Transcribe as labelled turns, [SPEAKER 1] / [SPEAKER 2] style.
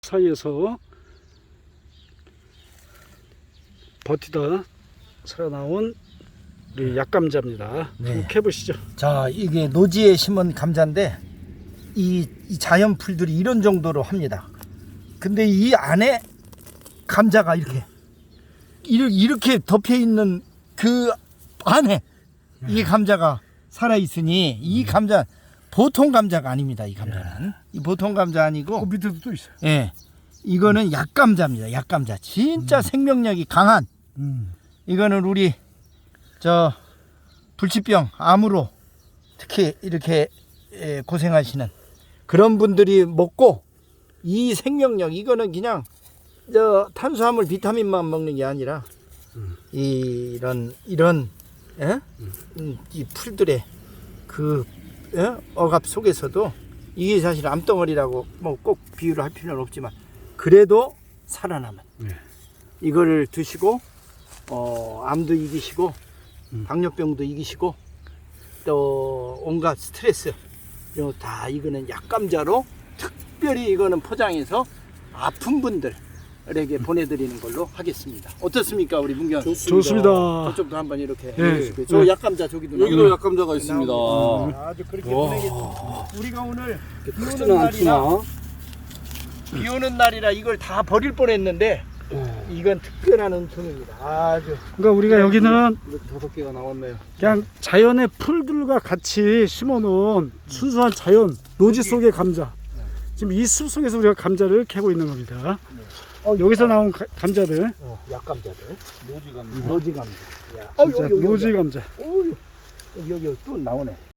[SPEAKER 1] 사이에서 버티다 살아나온 우리 약감자입니다.
[SPEAKER 2] 네.
[SPEAKER 1] 한번 캐보시죠.
[SPEAKER 2] 자, 이게 노지에 심은 감자인데 이 자연 풀들이 이런 정도로 합니다. 근데 이 안에 감자가 이렇게 덮여 있는 그 안에 이 감자가 살아 있으니 이 감자 보통 감자가 아닙니다. 이 감자는 이 보통 감자 아니고
[SPEAKER 1] 밑에도 또 있어요.
[SPEAKER 2] 예, 이거는 약감자입니다. 약감자 진짜 생명력이 강한. 이거는 우리 저 불치병 암으로 특히 이렇게 고생하시는 그런 분들이 먹고 이 생명력 이거는 그냥 저 탄수화물 비타민만 먹는 게 아니라 이런 이 풀들의 그 억압 속에서도 이게 사실 암덩어리라고 뭐 꼭 비유를 할 필요는 없지만 그래도 살아남은 이거를 드시고 암도 이기시고 당뇨병도 이기시고 또 온갖 스트레스 이거 다 이거는 약감자로 특별히 이거는 포장해서 아픈 분들에게 보내드리는 걸로 하겠습니다. 어떻습니까, 우리 문경?
[SPEAKER 1] 좋습니다.
[SPEAKER 2] 저쪽도 한번 이렇게
[SPEAKER 1] 네.
[SPEAKER 2] 해주시고요. 저 약감자 저기도
[SPEAKER 3] 여기도 약감자가 있습니다.
[SPEAKER 2] 아주 그렇게 보내겠습니다. 우리가 오늘 비 오는
[SPEAKER 1] 크지는
[SPEAKER 2] 날이라
[SPEAKER 1] 않구나.
[SPEAKER 2] 비 오는 날이라 이걸 다 버릴 뻔했는데 이건 특별한 은총입니다. 아주
[SPEAKER 1] 그러니까 우리가 여기는
[SPEAKER 3] 이렇게 5개가 나왔네요.
[SPEAKER 1] 그냥 자연의 풀들과 같이 심어놓은 순수한 자연 노지 속의 감자. 지금 이 숲 속에서 우리가 감자를 캐고 있는 겁니다. 여기서 나온 감자들,
[SPEAKER 2] 약감자들,
[SPEAKER 3] 노지감자.
[SPEAKER 2] 노지 감자.
[SPEAKER 1] 진짜 노지 감자.
[SPEAKER 2] 여기 또 나오네.